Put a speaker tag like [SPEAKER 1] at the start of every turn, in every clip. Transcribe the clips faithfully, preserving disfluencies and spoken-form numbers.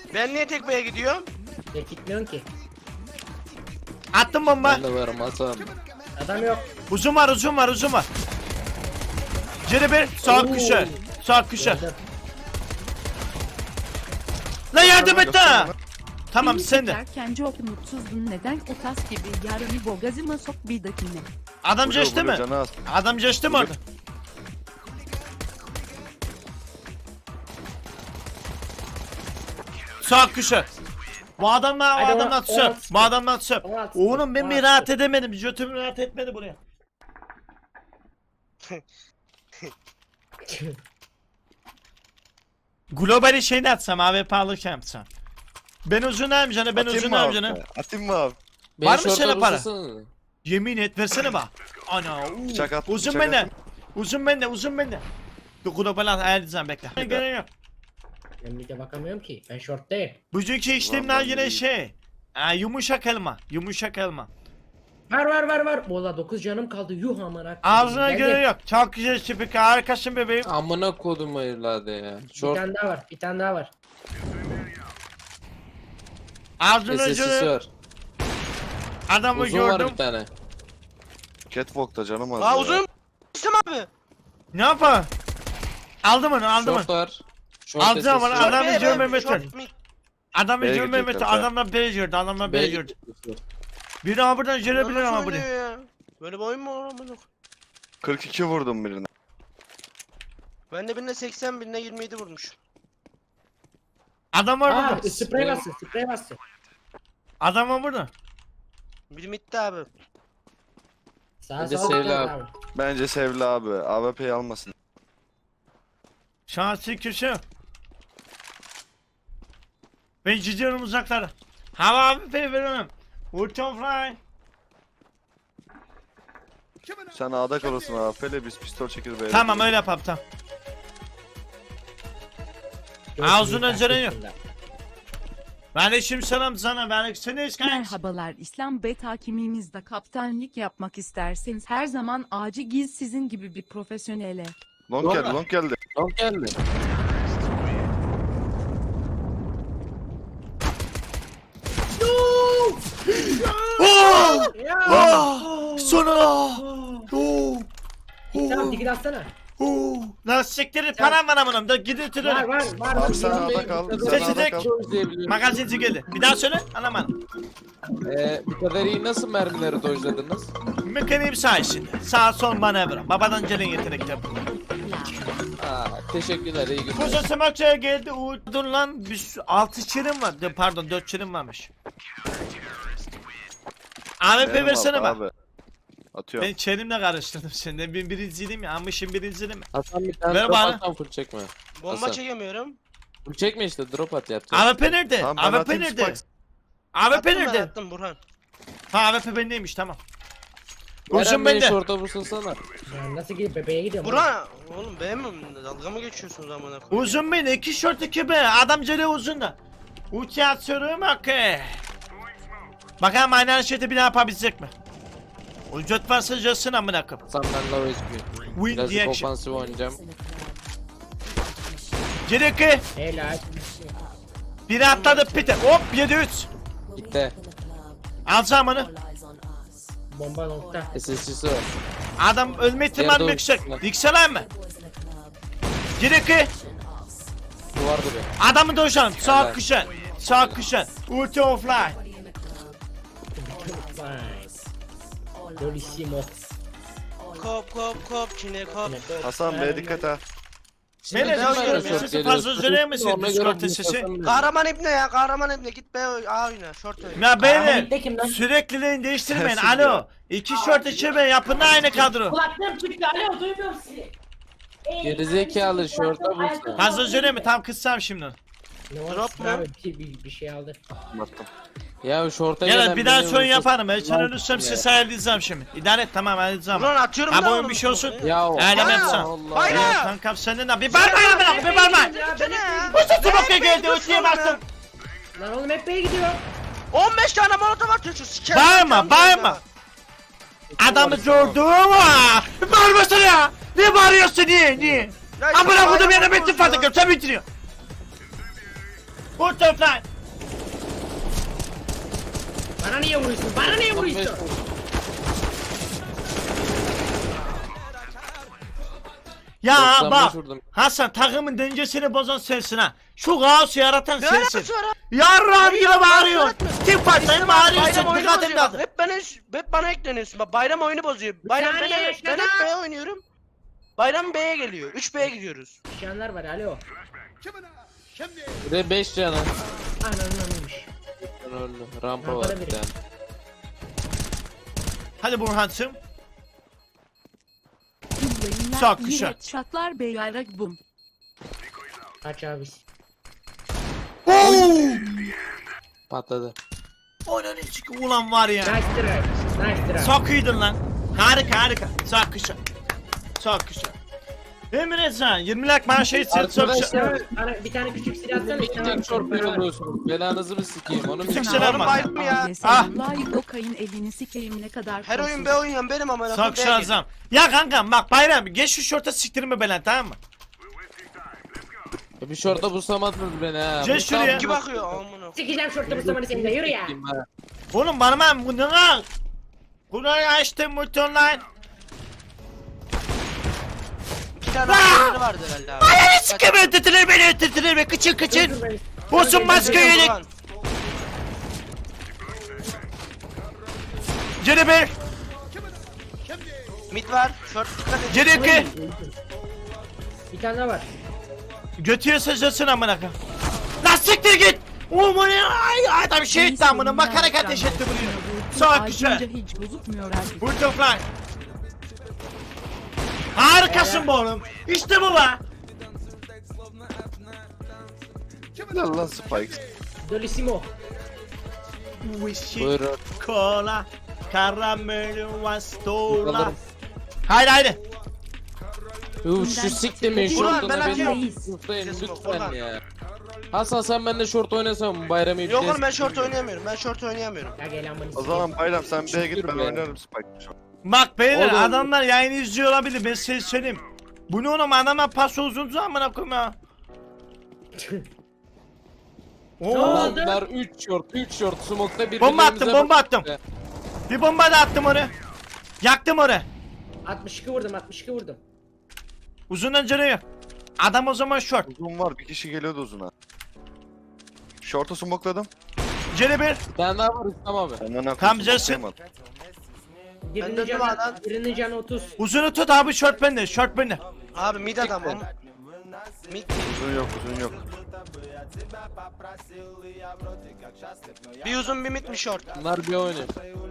[SPEAKER 1] Ben niye tek B'ye gidiyorum?
[SPEAKER 2] Ya gitmiyorsun ki.
[SPEAKER 3] Attım bomba.
[SPEAKER 4] Ben de varım Hasan.
[SPEAKER 2] Adam yok.
[SPEAKER 3] Uzun var uzun var uzun var. Geri bir sağ
[SPEAKER 2] Oo.
[SPEAKER 3] köşe. Sağ köşe.
[SPEAKER 2] Gördüm.
[SPEAKER 3] Lan yardım et ha. Tamam
[SPEAKER 5] Beni
[SPEAKER 3] sen de.
[SPEAKER 5] çekerken çok mutsuzdun, neden o tas gibi yarını bogazıma sok bir dakine.
[SPEAKER 3] Adam
[SPEAKER 6] Vuruyor,
[SPEAKER 3] geçti mi?
[SPEAKER 6] vuruyor, canı az.
[SPEAKER 3] Adam geçti mi orada? Sağ köşe. Bu adamlar, bu
[SPEAKER 2] Hadi
[SPEAKER 3] adamlar
[SPEAKER 2] ona-
[SPEAKER 3] söp.
[SPEAKER 2] ona-
[SPEAKER 3] Bu adamlar söp.
[SPEAKER 2] ona-
[SPEAKER 3] Oğlum ben
[SPEAKER 2] ona-
[SPEAKER 3] bir rahat edemedim. Götüm rahat etmedi buraya. Globali şeyini atsam A W P alırken yapsam. Ben uzunayım canım, ben
[SPEAKER 6] Atayım mı
[SPEAKER 3] uzunayım
[SPEAKER 6] abi?
[SPEAKER 3] canım.
[SPEAKER 6] Atayım mı abi?
[SPEAKER 4] Beni
[SPEAKER 3] Var mı
[SPEAKER 4] şorta
[SPEAKER 3] sana para?
[SPEAKER 4] vursana.
[SPEAKER 3] Yemin et versene bak. Ana uuu.
[SPEAKER 6] Bıçak at,
[SPEAKER 3] Uzun
[SPEAKER 6] bıçak
[SPEAKER 3] bende.
[SPEAKER 6] at.
[SPEAKER 3] Uzun bende, uzun bende. Dur globali ayarlayacağım bekle. Gerek yok.
[SPEAKER 2] Ben bir de bakamıyorum ki. Ben short değil.
[SPEAKER 3] Bugünkü işlemler
[SPEAKER 6] Vallahi
[SPEAKER 3] yine
[SPEAKER 6] iyi.
[SPEAKER 3] şey. Aa, yumuşak elma. Yumuşak elma.
[SPEAKER 2] Var var var var. Valla dokuz canım kaldı. Yuh amına.
[SPEAKER 3] Ağzına
[SPEAKER 2] Geldi.
[SPEAKER 3] göre yok. Çok güzel tipik harikasın bebeğim.
[SPEAKER 4] Amına kodum hayırladı ya.
[SPEAKER 2] Bir
[SPEAKER 4] Short
[SPEAKER 2] tane daha var. Bir tane daha var.
[SPEAKER 3] Ağzına
[SPEAKER 4] S S C'si
[SPEAKER 3] göre
[SPEAKER 4] var.
[SPEAKER 3] adamı
[SPEAKER 4] Uzun var
[SPEAKER 3] gördüm.
[SPEAKER 4] bir tane.
[SPEAKER 6] Catwalk'ta canım az.
[SPEAKER 1] Aa
[SPEAKER 6] ya.
[SPEAKER 1] uzun İstem abi.
[SPEAKER 3] Ne yapar? Aldım onu, aldım onu.
[SPEAKER 4] Short var. Short
[SPEAKER 3] Alacağım
[SPEAKER 4] S S
[SPEAKER 3] onu,
[SPEAKER 4] C var.
[SPEAKER 3] adam- Adamı
[SPEAKER 1] Short B,
[SPEAKER 3] görmemek
[SPEAKER 1] B, short
[SPEAKER 3] için.
[SPEAKER 1] mid.
[SPEAKER 3] Adamı
[SPEAKER 6] B'ye
[SPEAKER 3] görmeye
[SPEAKER 6] gidecekler,
[SPEAKER 3] metin,
[SPEAKER 6] ha.
[SPEAKER 3] adamlar B gördü, adamlar B
[SPEAKER 4] B
[SPEAKER 3] gördü. Biri ama buradan görebilir
[SPEAKER 1] Nasıl
[SPEAKER 3] ama buraya.
[SPEAKER 1] oynuyor ya? Böyle bir oyun mu olur amına?
[SPEAKER 6] kırk iki vurdum birine.
[SPEAKER 1] Ben de birine seksen, birine yirmi yedi vurmuş.
[SPEAKER 3] Adam var
[SPEAKER 2] Aa,
[SPEAKER 3] burada.
[SPEAKER 2] sprey bastı. Sprey bastı.
[SPEAKER 3] Adam var burada.
[SPEAKER 1] Bir midde abi.
[SPEAKER 2] Sağa
[SPEAKER 4] Bence
[SPEAKER 2] sağa
[SPEAKER 4] Sevil
[SPEAKER 2] gidiyor
[SPEAKER 4] abi.
[SPEAKER 2] abi.
[SPEAKER 6] Bence Sevli abi. A W P'yi almasın.
[SPEAKER 3] Şansı köşe. Ben gidiyorum uzaklara. Hava abi pey veriyorum. Ulton fly.
[SPEAKER 6] Sen A'da kalırsın A W P'yle biz pistol çekir B'ye.
[SPEAKER 3] Tamam öyle yapalım tamam.
[SPEAKER 2] Dört
[SPEAKER 3] Ağzına
[SPEAKER 2] büyük
[SPEAKER 3] ceren yok.
[SPEAKER 2] aslında.
[SPEAKER 3] Aleyküm selam sana. Ben seni kanka.
[SPEAKER 5] Merhabalar, İslam Bey takimimizde kaptanlık yapmak isterseniz her zaman acil giz sizin gibi bir profesyonele.
[SPEAKER 6] Long geldi, long geldi.
[SPEAKER 4] Long geldi.
[SPEAKER 3] Oh!
[SPEAKER 2] Ya.
[SPEAKER 3] Oh! Sonra. Oh!
[SPEAKER 2] Tamam
[SPEAKER 3] Oh!
[SPEAKER 2] dikkat atsana.
[SPEAKER 3] Oh! Lan siktirin param var amınım da gidin
[SPEAKER 2] Var
[SPEAKER 3] tırırım.
[SPEAKER 2] var var.
[SPEAKER 6] Abi sen A'da kal. Sen
[SPEAKER 3] Sesi
[SPEAKER 6] A'da
[SPEAKER 3] tek.
[SPEAKER 6] kal.
[SPEAKER 3] Magazinci geldi. Bir daha söyle anlamadım.
[SPEAKER 4] Ee, bu kadar iyi nasıl mermileri dojladınız?
[SPEAKER 3] Mekaniğim sayesinde. Sağ sol manevra. Babadan gelen yetenekler bunlar.
[SPEAKER 4] Aa, teşekkürler iyi günler.
[SPEAKER 3] Kuzu Smakçı'ya geldi. Uğur. Dur lan. Biz altı çirim var. De, pardon dört çirim varmış. A W P
[SPEAKER 6] Benim
[SPEAKER 3] versene
[SPEAKER 6] aldı
[SPEAKER 3] bak.
[SPEAKER 6] abi. Atıyorum.
[SPEAKER 3] Ben çelimle karıştırdım seni. Ben birinciydim ya. Amışım birinciydim ya.
[SPEAKER 4] Hasan bir tane
[SPEAKER 3] Ver
[SPEAKER 4] drop
[SPEAKER 3] bana.
[SPEAKER 4] atsan full çekme.
[SPEAKER 1] Bomba
[SPEAKER 4] Hasan.
[SPEAKER 1] çekemiyorum.
[SPEAKER 4] Full çekme işte drop at yapacağız.
[SPEAKER 3] A W P nerede?
[SPEAKER 6] Tamam, ben
[SPEAKER 3] A W P
[SPEAKER 6] atayım
[SPEAKER 3] nerede?
[SPEAKER 6] Spikes.
[SPEAKER 3] A W P
[SPEAKER 1] Attım ben,
[SPEAKER 3] nerede?
[SPEAKER 1] attım Burhan.
[SPEAKER 3] Ha A W P bendeymiş tamam.
[SPEAKER 4] Eren
[SPEAKER 3] Uzun
[SPEAKER 4] beni
[SPEAKER 3] bende.
[SPEAKER 4] short'a vursunsana.
[SPEAKER 2] Ya nasıl gidip bebeğe gidiyorum.
[SPEAKER 1] Burhan oğlum beğenmiyor musun? Dalga mı geçiyorsunuz amına koyayım?
[SPEAKER 3] Uzun bende. iki short iki be. Adam cele uzun da. Uçağı atıyorum okey. Bakalım aynı hareketi bir daha yapabilecek mi? Ucot varsa cılsın amına koyayım.
[SPEAKER 4] Hasan ben low H P.
[SPEAKER 3] Win
[SPEAKER 4] Birazcık
[SPEAKER 3] reaction.
[SPEAKER 4] ofansif oynayacağım.
[SPEAKER 3] Cireki.
[SPEAKER 2] Helal.
[SPEAKER 3] Biri atladı pite. Hop yedi üç.
[SPEAKER 4] Gitti.
[SPEAKER 3] Alacağım onu.
[SPEAKER 2] Bomba nokta.
[SPEAKER 4] S S C'si var.
[SPEAKER 3] Adam ölme ihtimali
[SPEAKER 4] Yerde
[SPEAKER 3] yüksek.
[SPEAKER 4] uçsun.
[SPEAKER 3] Yükseler mi? Cireki.
[SPEAKER 4] Duvar duruyor.
[SPEAKER 3] Adamı dojalım. Sağ
[SPEAKER 4] Evet.
[SPEAKER 3] kuşan. Sağ kuşan. Ulti offline.
[SPEAKER 2] Dolissimo.
[SPEAKER 1] Kop kop kop çine kop.
[SPEAKER 6] Hasan B'ye dikkat ha.
[SPEAKER 3] Beni
[SPEAKER 1] ben
[SPEAKER 3] de
[SPEAKER 1] oynuyorum
[SPEAKER 3] bir
[SPEAKER 1] ya.
[SPEAKER 3] sesi fazla üzerine misin?
[SPEAKER 4] Ona göre
[SPEAKER 3] Discord
[SPEAKER 4] bir
[SPEAKER 3] sesi.
[SPEAKER 4] Hasan
[SPEAKER 1] Kahraman ibne ya kahraman ibne git be A oyna short oyna.
[SPEAKER 3] Ya
[SPEAKER 2] Ahmet
[SPEAKER 3] beyler
[SPEAKER 2] de kim lan?
[SPEAKER 3] sürekliliğini değiştirmeyin.
[SPEAKER 6] Sensin
[SPEAKER 3] Alo.
[SPEAKER 6] ya.
[SPEAKER 3] İki short içi be yapın da aynı kadro.
[SPEAKER 7] Kulaklığım çıktı. Alo duymuyorum sizi. Ey,
[SPEAKER 4] Gerizekalı, şorta vursun.
[SPEAKER 3] Fazla üzerine mi? Tam kıssam şimdi.
[SPEAKER 2] Ne var?
[SPEAKER 1] Drop mu?
[SPEAKER 2] Abi bir, bir, bir şey aldı.
[SPEAKER 6] Attım.
[SPEAKER 4] Ya short'a
[SPEAKER 3] Evet
[SPEAKER 4] gelen
[SPEAKER 3] bir daha
[SPEAKER 4] beni
[SPEAKER 3] sorun
[SPEAKER 4] vursun.
[SPEAKER 3] yaparım. Ben sana
[SPEAKER 4] Lan
[SPEAKER 3] ölürsem
[SPEAKER 4] ya.
[SPEAKER 3] size ayarlayacağım şimdi. İdare et tamam ayarlayacağım.
[SPEAKER 1] Burhan atıyorum
[SPEAKER 3] Ha,
[SPEAKER 1] da
[SPEAKER 3] bu oyun
[SPEAKER 1] oğlum.
[SPEAKER 3] bir şey olsun.
[SPEAKER 4] Ya
[SPEAKER 3] Öyle mi
[SPEAKER 1] Aa,
[SPEAKER 3] yapsam?
[SPEAKER 4] Allah.
[SPEAKER 1] Hayır.
[SPEAKER 3] Ya kankam senin de bir barbar bırak bir barbar.
[SPEAKER 1] Gitsene ya.
[SPEAKER 3] Bu sesi bakıyor geldi ötüye bastım.
[SPEAKER 2] Lan oğlum hep B'ye gidiyor.
[SPEAKER 1] on beş tane molotov atıyor şu sikerim.
[SPEAKER 3] Bağırma bağırma. Adamı gördüm ha. Bağırmasana ya. Ne bağırıyorsun niye niye? Amına kodum yana metin fazla sen bitiriyor. Butterfly.
[SPEAKER 2] Bana niye vuruyorsun? Bana niye vuruyorsun?
[SPEAKER 3] Ya
[SPEAKER 4] doksan beş
[SPEAKER 3] bak
[SPEAKER 4] vurdum.
[SPEAKER 3] Hasan takımın dengesini bozan sensin ha. Şu kaosu yaratan
[SPEAKER 1] Ne
[SPEAKER 3] sensin.
[SPEAKER 1] alakası var abi?
[SPEAKER 3] Yarram gibi
[SPEAKER 1] Ya,
[SPEAKER 3] bağırıyor.
[SPEAKER 1] bağırma.
[SPEAKER 3] Tim patlayın
[SPEAKER 1] Bayram
[SPEAKER 3] bağırıyorsun.
[SPEAKER 1] oyunu
[SPEAKER 3] Dikkat
[SPEAKER 1] bozuyor
[SPEAKER 3] edin
[SPEAKER 1] bak.
[SPEAKER 3] adım.
[SPEAKER 1] Hep bana, hep bana ekleniyorsun. Bak bayram oyunu bozuyor. Bayram ben,
[SPEAKER 2] saniye,
[SPEAKER 1] ben hep
[SPEAKER 2] şaka.
[SPEAKER 1] B'ye oynuyorum. Bayram B'ye geliyor. üç B'ye gidiyoruz.
[SPEAKER 2] Şanlar var alo.
[SPEAKER 4] Bir de beş canı.
[SPEAKER 2] Ananın anıymış.
[SPEAKER 4] Öldü. Rampa
[SPEAKER 2] Rampada
[SPEAKER 4] var bir
[SPEAKER 2] biri.
[SPEAKER 4] tane.
[SPEAKER 3] Hadi Burhan'cığım.
[SPEAKER 5] Yayınlar,
[SPEAKER 3] Çok
[SPEAKER 5] iyi
[SPEAKER 3] güzel.
[SPEAKER 5] headshotlar beyarak bum.
[SPEAKER 2] Kaç abis.
[SPEAKER 4] Patladı.
[SPEAKER 3] Onun için ulan var ya.
[SPEAKER 2] Nice try. Nice try.
[SPEAKER 3] Çok iyiydin lan. Harika harika. Çok güzel. Çok güzel. Emre sen yirmi lak bana şey sen çok
[SPEAKER 4] Arkadaşlar-
[SPEAKER 3] güzel.
[SPEAKER 2] Bana bir tane küçük silah atsana.
[SPEAKER 4] Bir tek short bir oluyorsunuz. Belanızı mı sikeyim onu mu?
[SPEAKER 3] Kimse
[SPEAKER 1] Oğlum
[SPEAKER 3] vermez.
[SPEAKER 1] bayram ya.
[SPEAKER 3] Ah.
[SPEAKER 5] Vallahi Dokay'ın elini sikeyim ne kadar
[SPEAKER 1] Her oyun
[SPEAKER 5] kolsuz.
[SPEAKER 1] B oynayan benim amına.
[SPEAKER 3] Çok şansım. Ya kankam bak bayram geç şu şorta siktirme belen tamam mı?
[SPEAKER 4] Bir short'a buslamadınız beni ha.
[SPEAKER 3] Gel
[SPEAKER 4] Bu
[SPEAKER 3] şuraya.
[SPEAKER 4] tam-
[SPEAKER 1] İki bakıyor amına.
[SPEAKER 2] Sikeceğim şortla bu zamanı senin de yürü ya.
[SPEAKER 4] Sikeyim ha.
[SPEAKER 3] Oğlum bana ben bu ne lan? Burayı açtım multi online.
[SPEAKER 1] İki tane oyunları vardı herhalde abi.
[SPEAKER 3] Ay sikeyim ötetilir beni ötetilir beni kıçın kıçın.
[SPEAKER 2] Dur beni.
[SPEAKER 3] Bosun maske yedik.
[SPEAKER 1] Ulan,
[SPEAKER 3] Geri bir.
[SPEAKER 1] Mid var. Short dikkat et.
[SPEAKER 3] Geri iki.
[SPEAKER 2] Bir tane daha var.
[SPEAKER 3] Götüye sıçrasın amına koyayım. Lan siktir git. Oğlum o ne? Ay adam şey etti amına bakarak ateş etti buraya. Çok güzel.
[SPEAKER 5] Ayrıca hiç bozukmuyor artık.
[SPEAKER 3] Butterfly. Harikasın bu oğlum. İşte bu be.
[SPEAKER 6] Helal lan Spikes.
[SPEAKER 2] Dolissimo.
[SPEAKER 4] Buyurun.
[SPEAKER 3] Cola. Caramel vastola.
[SPEAKER 4] Bakalım.
[SPEAKER 3] Haydi haydi.
[SPEAKER 4] Yuh, şu siktimin
[SPEAKER 1] Ulan
[SPEAKER 4] short'una
[SPEAKER 1] ben
[SPEAKER 4] beni
[SPEAKER 1] atıyorum.
[SPEAKER 4] tutlayın
[SPEAKER 1] Sesim
[SPEAKER 4] lütfen
[SPEAKER 1] Orhan.
[SPEAKER 4] ya. Hasan sen benimle short oynasan bayramı
[SPEAKER 1] Yok oğlum ben short oynayamıyorum. Ben short oynayamıyorum.
[SPEAKER 2] Ya gel amını
[SPEAKER 6] O
[SPEAKER 2] sikeyim.
[SPEAKER 6] zaman Bayram sen B'ye git ben
[SPEAKER 4] Siktir be.
[SPEAKER 6] oynarım Spike.
[SPEAKER 3] Bak beyler
[SPEAKER 4] Oğlum.
[SPEAKER 3] adamlar yayını izliyor olabilir ben size söyleyeyim. Bu ne oğlum adama pas uzun amına koyayım ya. Oo.
[SPEAKER 2] oldu?
[SPEAKER 4] Adamlar üç short üç short smoke'ta birbirlerimize
[SPEAKER 3] Bomba attım bomba attım.
[SPEAKER 4] bakıyor.
[SPEAKER 3] Bir bomba da attım oraya. Yaktım oraya.
[SPEAKER 2] altmış iki vurdum altmış iki vurdum.
[SPEAKER 3] Uzundan canı yok. Adam o zaman short.
[SPEAKER 6] Uzun var bir kişi geliyordu uzuna. Short'u smokladım.
[SPEAKER 3] Geri bir.
[SPEAKER 4] Bir tane daha var İslam abi.
[SPEAKER 6] Ondan ne
[SPEAKER 3] Tam Jason.
[SPEAKER 2] Birinin
[SPEAKER 1] döndüm
[SPEAKER 2] canı,
[SPEAKER 1] adam.
[SPEAKER 2] birinin canı otuz.
[SPEAKER 3] Uzunu tut abi short bende short bende.
[SPEAKER 1] Abi mid adam o. Mid.
[SPEAKER 6] Uzun yok uzun yok.
[SPEAKER 1] Bir uzun bir mid bir short.
[SPEAKER 4] Bunlar bir oynuyor.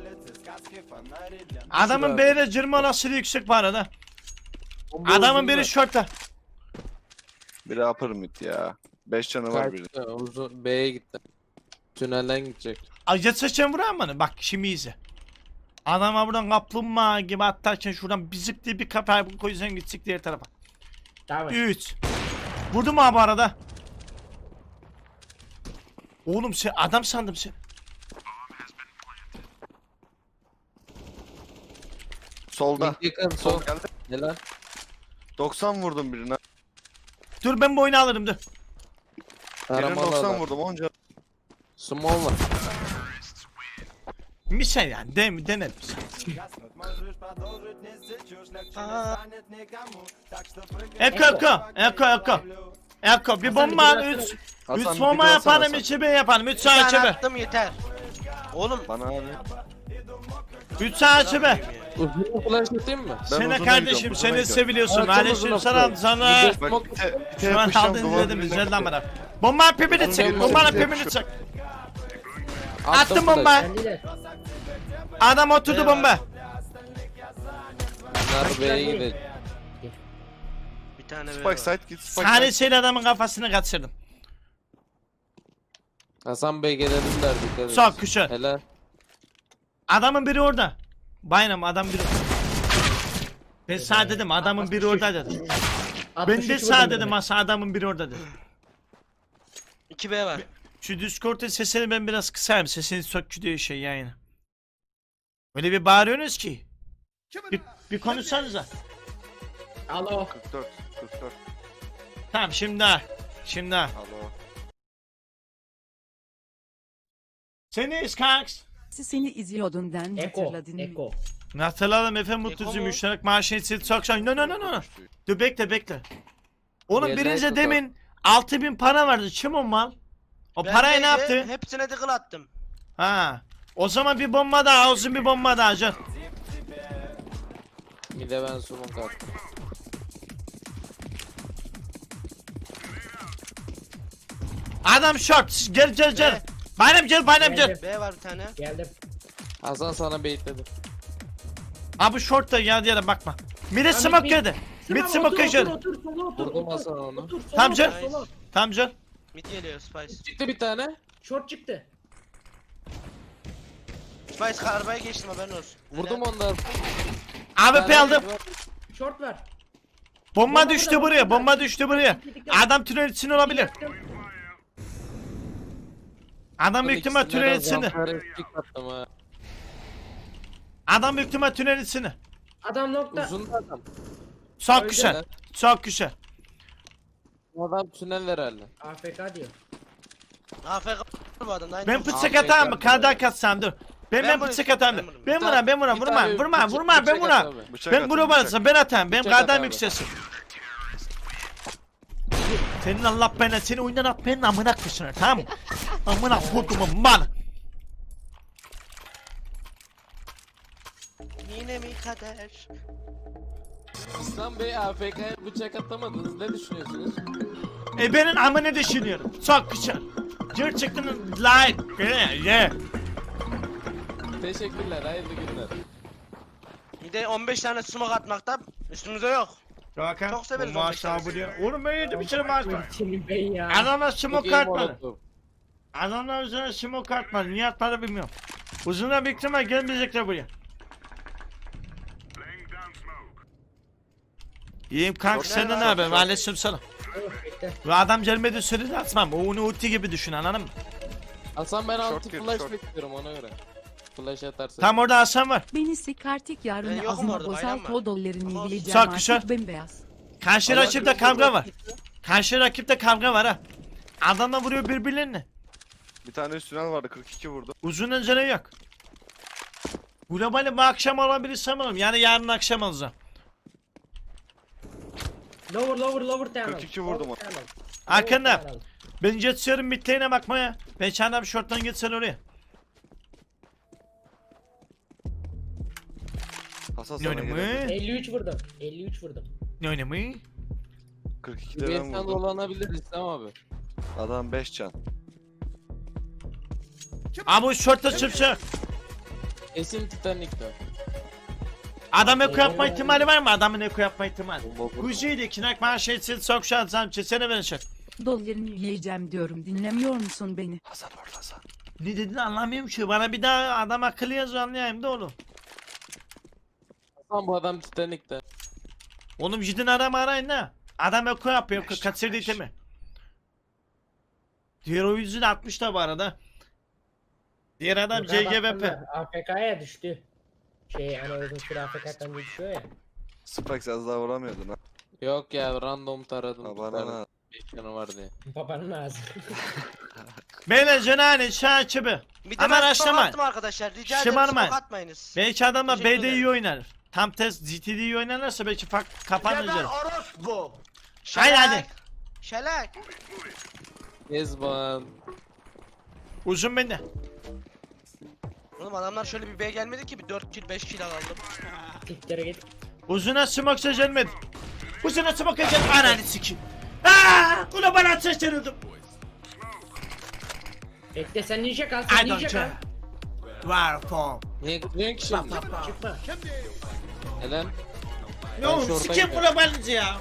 [SPEAKER 3] Adamın B'de cırma olasılığı yüksek bu arada.
[SPEAKER 4] Bomba
[SPEAKER 3] Adamın
[SPEAKER 4] uzun
[SPEAKER 3] biri
[SPEAKER 4] da.
[SPEAKER 3] shortta.
[SPEAKER 6] Biri upper mid ya. beş canı var biri.
[SPEAKER 4] Kaçtı, uzun B'ye gitti. Tünelden gidecek.
[SPEAKER 3] Acı sıçan vurar mı? Bak şimdi izle. Adama buradan kaplumbağa gibi atlarken şuradan bizik diye bir kafa koysan gitsik diğer tarafa.
[SPEAKER 2] Tamam.
[SPEAKER 3] üç. Vurdu mu abi arada? Oğlum sen adam sandım sen.
[SPEAKER 6] Solda.
[SPEAKER 4] Mid yakın
[SPEAKER 6] Sol
[SPEAKER 4] sol.
[SPEAKER 6] geldi.
[SPEAKER 4] Helal.
[SPEAKER 6] doksan vurdum birine.
[SPEAKER 3] Dur ben bu oyunu alırım dur.
[SPEAKER 6] Birine
[SPEAKER 4] Taramalı
[SPEAKER 6] doksan
[SPEAKER 4] adam.
[SPEAKER 6] vurdum on can.
[SPEAKER 4] Small var.
[SPEAKER 3] Misal yani de denelim.
[SPEAKER 1] Aa,
[SPEAKER 3] Eko eko eko eko. Eko bir bomba al üç. Üç
[SPEAKER 6] Hasan, bir
[SPEAKER 3] bomba
[SPEAKER 6] daha
[SPEAKER 3] yapalım
[SPEAKER 6] sana
[SPEAKER 3] içi ben yapalım. Üç
[SPEAKER 1] bir
[SPEAKER 3] sağ
[SPEAKER 1] tane
[SPEAKER 3] içi be.
[SPEAKER 1] attım yeter. Oğlum
[SPEAKER 6] Bana abi.
[SPEAKER 3] Üç sağ içi be.
[SPEAKER 4] Uzun flash atayım mı?
[SPEAKER 6] Ben
[SPEAKER 3] Seni
[SPEAKER 6] uzuna
[SPEAKER 3] kardeşim
[SPEAKER 6] gidiyorum, uzuna
[SPEAKER 3] seni
[SPEAKER 6] gidiyorum.
[SPEAKER 3] seviliyorsun.
[SPEAKER 4] Evet,
[SPEAKER 3] Aleyküm
[SPEAKER 4] uzuna
[SPEAKER 3] selam
[SPEAKER 4] gidiyorum.
[SPEAKER 3] sana.
[SPEAKER 4] Bir de-
[SPEAKER 6] Bak bir te, bir te
[SPEAKER 3] Şu an
[SPEAKER 6] yapışacağım,
[SPEAKER 3] aldın
[SPEAKER 6] duvar
[SPEAKER 3] izledim
[SPEAKER 6] dibine
[SPEAKER 3] güzel lan
[SPEAKER 6] koyacağım.
[SPEAKER 3] bana. Bomba pipini çek.
[SPEAKER 4] Uzun
[SPEAKER 3] Bomba
[SPEAKER 4] flash.
[SPEAKER 3] pipini çek.
[SPEAKER 4] Attım
[SPEAKER 3] Attım
[SPEAKER 4] flash.
[SPEAKER 3] bomba.
[SPEAKER 2] Kendiler.
[SPEAKER 3] Adam oturdu bomba.
[SPEAKER 4] Bunlar B'ye gidecek.
[SPEAKER 1] bir tane B
[SPEAKER 6] Spike
[SPEAKER 1] var.
[SPEAKER 6] side git Spike side.
[SPEAKER 3] Tanesiyle adamın kafasını kaçırdım.
[SPEAKER 4] Hasan Bey gelelim derdik. Evet.
[SPEAKER 3] Çok güzel.
[SPEAKER 4] Helal.
[SPEAKER 3] Adamın biri orada. Bayram adam biri. Ben sağ dedim adamın biri orada dedim. Ben
[SPEAKER 2] altmış
[SPEAKER 3] de
[SPEAKER 2] üç
[SPEAKER 3] sağ
[SPEAKER 2] vurdum
[SPEAKER 3] dedim
[SPEAKER 2] birine.
[SPEAKER 3] asa adamın biri orada dedim.
[SPEAKER 1] iki B var.
[SPEAKER 3] Şu Discord'un sesini ben biraz kısayım. Sesini sökçü diyor şey yayını. Öyle bir bağırıyorsunuz ki. Bir, bir konuşsanıza.
[SPEAKER 2] Alo.
[SPEAKER 6] kırk dört kırk dört.
[SPEAKER 3] Tamam şimdi ha. Şimdi ha.
[SPEAKER 6] Alo.
[SPEAKER 3] Sen neyiz kanks?
[SPEAKER 5] Seni izliyordun den
[SPEAKER 2] Eko.
[SPEAKER 5] hatırladın mı?
[SPEAKER 2] Eko.
[SPEAKER 3] Hatırladım efendim
[SPEAKER 1] Eko
[SPEAKER 3] mutlucu
[SPEAKER 1] mu?
[SPEAKER 3] müşterek maaşını siz çok şan. No no no no. Dur bekle bekle. Oğlum
[SPEAKER 4] Yerden
[SPEAKER 3] birinci
[SPEAKER 4] tutalım.
[SPEAKER 3] demin altı bin para vardı. Kim o mal? O parayı ne
[SPEAKER 1] Bendeydi,
[SPEAKER 3] yaptı?
[SPEAKER 1] Hepsine tıkıl attım.
[SPEAKER 3] Ha. O zaman bir bomba daha olsun, bir bomba daha can.
[SPEAKER 4] Bir de ben smoke attım.
[SPEAKER 3] Adam short. Gel gel gel.
[SPEAKER 1] Be.
[SPEAKER 3] Benim gel benim gel.
[SPEAKER 2] Geldim.
[SPEAKER 1] B var bir tane.
[SPEAKER 2] Geldim.
[SPEAKER 4] Hasan sana baitledim.
[SPEAKER 3] Abi short da geldi yere bakma. Mid
[SPEAKER 2] Abi,
[SPEAKER 3] smoke
[SPEAKER 2] mid-
[SPEAKER 3] geldi. Mid
[SPEAKER 2] Tamam,
[SPEAKER 3] smoke
[SPEAKER 2] otur,
[SPEAKER 3] geldi.
[SPEAKER 2] otur, otur, sola otur,
[SPEAKER 4] Vurdum
[SPEAKER 2] otur.
[SPEAKER 4] Hasan onu.
[SPEAKER 2] Otur, sola
[SPEAKER 3] Tamam
[SPEAKER 2] otur,
[SPEAKER 3] canım.
[SPEAKER 2] sola.
[SPEAKER 3] Tamam can.
[SPEAKER 1] Mid geliyor Spice.
[SPEAKER 4] Çıktı bir tane.
[SPEAKER 2] Short çıktı.
[SPEAKER 1] Spice karbaya geçtim haberin olsun.
[SPEAKER 4] Vurdum ondan.
[SPEAKER 3] A W P aldım.
[SPEAKER 2] Short var.
[SPEAKER 3] Bomba
[SPEAKER 2] Bomba
[SPEAKER 3] düştü
[SPEAKER 2] burada,
[SPEAKER 3] buraya.
[SPEAKER 2] bomba
[SPEAKER 3] Bomba düştü buraya. Adam tünel içinde olabilir.
[SPEAKER 2] Yaktım.
[SPEAKER 3] Adam büyük ihtimal tünel içinde.
[SPEAKER 4] Attım ha.
[SPEAKER 3] Adam büyük ihtimal tünel içinde.
[SPEAKER 2] Adam nokta.
[SPEAKER 4] Uzun da adam.
[SPEAKER 3] Çok
[SPEAKER 2] Öyle
[SPEAKER 3] güzel.
[SPEAKER 4] mi?
[SPEAKER 3] Çok güzel.
[SPEAKER 4] Bu adam tünel herhalde.
[SPEAKER 2] A F K diyor.
[SPEAKER 1] A F K bu adam. Aynı
[SPEAKER 3] Ben
[SPEAKER 1] olsun.
[SPEAKER 3] bıçak
[SPEAKER 4] Abi,
[SPEAKER 3] atayım mı?
[SPEAKER 4] ben-
[SPEAKER 3] Kardak atsam dur. Ben ben
[SPEAKER 1] Ben
[SPEAKER 3] bıçak
[SPEAKER 1] bunu-
[SPEAKER 3] atayım.
[SPEAKER 1] ben bunu-
[SPEAKER 3] Ben buna ben buna
[SPEAKER 4] Bir
[SPEAKER 3] vurma
[SPEAKER 4] tane
[SPEAKER 3] vurma
[SPEAKER 4] bıçak-
[SPEAKER 3] vurma ben
[SPEAKER 4] bıçak
[SPEAKER 3] buna.
[SPEAKER 4] at
[SPEAKER 6] Bıçak
[SPEAKER 3] Ben
[SPEAKER 6] atın,
[SPEAKER 3] bunu
[SPEAKER 6] bıçak.
[SPEAKER 3] basacağım ben atayım. Ben
[SPEAKER 4] Bıçak at
[SPEAKER 3] kardan
[SPEAKER 4] abi.
[SPEAKER 3] yükselsin. Senin Allah bana seni oyundan at benim amına kışına tamam mı? Amına kodumun mal.
[SPEAKER 1] Yine mi kader?
[SPEAKER 4] İslam Bey A F K'ya bıçak atamadınız. Ne düşünüyorsunuz?
[SPEAKER 3] E benim amına düşünüyorum. Çok güzel. Gerçekten like. Yeah, yeah.
[SPEAKER 4] Teşekkürler. Hayırlı günler.
[SPEAKER 1] Bir de on beş tane smoke atmakta üstümüze yok.
[SPEAKER 3] Hakan.
[SPEAKER 1] Çok severiz
[SPEAKER 3] bu
[SPEAKER 1] o
[SPEAKER 3] maaş
[SPEAKER 1] mekanı.
[SPEAKER 3] buraya. Oğlum ben yedim içeri maaş var.
[SPEAKER 2] Senin ben ya.
[SPEAKER 3] Adamlar
[SPEAKER 4] Çok
[SPEAKER 3] smoke
[SPEAKER 4] iyi
[SPEAKER 3] atmadı.
[SPEAKER 4] molotov.
[SPEAKER 3] Adamlar üzerine smoke atmadı. Niye atmadı bilmiyorum. Uzunlar büyük ihtimal gelmeyecekler buraya. İyiyim kanka
[SPEAKER 1] Çok
[SPEAKER 3] senden ne
[SPEAKER 1] güzel.
[SPEAKER 3] haber?
[SPEAKER 1] Çok-
[SPEAKER 3] Aleyküm selam.
[SPEAKER 2] Of, bekle.
[SPEAKER 3] Ve adam gelmedi sürede atmam. O onu ulti gibi düşün anladın mı?
[SPEAKER 4] Hasan ben
[SPEAKER 6] Short
[SPEAKER 4] altı
[SPEAKER 6] girdi,
[SPEAKER 4] flash
[SPEAKER 6] short.
[SPEAKER 4] bekliyorum ona göre. Flash atarsın.
[SPEAKER 3] Tam orada Hasan var.
[SPEAKER 5] Beni sikartik
[SPEAKER 1] Ben
[SPEAKER 5] yarını
[SPEAKER 1] yokum
[SPEAKER 5] azıma
[SPEAKER 1] orada,
[SPEAKER 5] bozal
[SPEAKER 1] bayram var.
[SPEAKER 5] to dolarını
[SPEAKER 1] Ama
[SPEAKER 5] yiyeceğim
[SPEAKER 3] Çok güzel.
[SPEAKER 5] artık bembeyaz.
[SPEAKER 3] Karşı
[SPEAKER 4] Allah
[SPEAKER 3] rakipte
[SPEAKER 4] korusun,
[SPEAKER 3] kavga
[SPEAKER 4] bak.
[SPEAKER 3] var. Karşı rakipte kavga var ha. Adamla vuruyor birbirlerine.
[SPEAKER 6] Bir tane üst tünel vardı kırk iki vurdu.
[SPEAKER 3] Uzun öncene yok. Globali bu akşam alabilirsem alırım. Yani yarın akşam alacağım.
[SPEAKER 2] Lower lower lower tunnel.
[SPEAKER 6] kırk iki vurdum
[SPEAKER 2] Lower
[SPEAKER 6] ona.
[SPEAKER 2] tunnel.
[SPEAKER 3] Arkanda.
[SPEAKER 2] Lower tunnel.
[SPEAKER 3] Ben geçiyorum bittiğine bakmaya. Ben çanda bir şorttan gitsen oraya.
[SPEAKER 6] Hasan
[SPEAKER 3] Ne
[SPEAKER 6] sana
[SPEAKER 3] oynamı?
[SPEAKER 6] gelebilir.
[SPEAKER 2] elli üç vurdum. elli üç vurdum.
[SPEAKER 3] Ne oynamı?
[SPEAKER 6] kırk ikide ben
[SPEAKER 4] Üyetten
[SPEAKER 6] vurdum.
[SPEAKER 4] dolanabilir İslam abi.
[SPEAKER 6] Adam beş can.
[SPEAKER 3] Abi bu şortta çıpsa.
[SPEAKER 4] Esin Titanic'te.
[SPEAKER 3] Adam eko yapma ihtimali var mı? Adamın eko yapma ihtimali.
[SPEAKER 6] Bomba vurdu.
[SPEAKER 3] Kuzeydi kinak maaş şeysin sok şansam çesene ben şak.
[SPEAKER 5] Dolarını yiyeceğim diyorum dinlemiyor musun beni?
[SPEAKER 6] Hasan orada Hasan.
[SPEAKER 3] Ne dediğini anlamıyorum ki. Bana bir daha adam akıllı yazıyor anlayayım da oğlum.
[SPEAKER 4] Hasan bu adam Titanic'te.
[SPEAKER 3] Oğlum gidin arama arayın ha. Adam eko yapıyor.
[SPEAKER 6] Beş,
[SPEAKER 3] Kaçırdı
[SPEAKER 6] beş.
[SPEAKER 3] itemi. Diğer oyuncu da atmış da bu arada. Diğer adam
[SPEAKER 2] Yukarı
[SPEAKER 3] C G V P.
[SPEAKER 2] baktığında A F K'ya düştü. Şey hani uzun süre A F K'dan düşüyor ya.
[SPEAKER 6] Spikes az daha vuramıyordun ha.
[SPEAKER 4] Yok ya random taradım.
[SPEAKER 6] Ha bana
[SPEAKER 4] tutardım.
[SPEAKER 6] ha.
[SPEAKER 4] beş canı var diye.
[SPEAKER 2] Babanın ağzı.
[SPEAKER 3] Beyler cenane şaçıbı.
[SPEAKER 1] Bir de
[SPEAKER 3] Ama
[SPEAKER 1] ben smoke
[SPEAKER 3] araştırmayın.
[SPEAKER 1] attım arkadaşlar. Rica ederim
[SPEAKER 3] Şımarmayın.
[SPEAKER 1] smoke atmayınız.
[SPEAKER 3] Belki adamlar
[SPEAKER 1] Teşekkür
[SPEAKER 3] B'de iyi
[SPEAKER 1] ederim.
[SPEAKER 3] oynar. Tam test G T'de iyi oynarlarsa belki fark kapanır
[SPEAKER 1] Geber
[SPEAKER 3] üzeri.
[SPEAKER 1] orospu.
[SPEAKER 3] Haydi, hadi.
[SPEAKER 1] Şelak.
[SPEAKER 4] Ezban.
[SPEAKER 3] Uzun bende.
[SPEAKER 1] Oğlum adamlar şöyle bir B gelmedi ki bir dört kill beş kill aldım.
[SPEAKER 2] Tiklere git.
[SPEAKER 3] Uzuna smoke gelmedi. Uzuna smoke gelmedi. Ananı sikeyim. Aaa! Ula bana atıştırıldım.
[SPEAKER 2] Bekle sen ninja kal sen
[SPEAKER 3] I don't
[SPEAKER 2] ninja
[SPEAKER 3] care.
[SPEAKER 2] kal.
[SPEAKER 3] Var form.
[SPEAKER 4] Niye gidiyorsun ki şimdi?
[SPEAKER 2] Çıkma.
[SPEAKER 4] Neden?
[SPEAKER 3] Ne
[SPEAKER 4] Ben
[SPEAKER 3] oğlum
[SPEAKER 4] şorta
[SPEAKER 3] sikeyim
[SPEAKER 4] gidiyorum.
[SPEAKER 3] ula balıcı ya.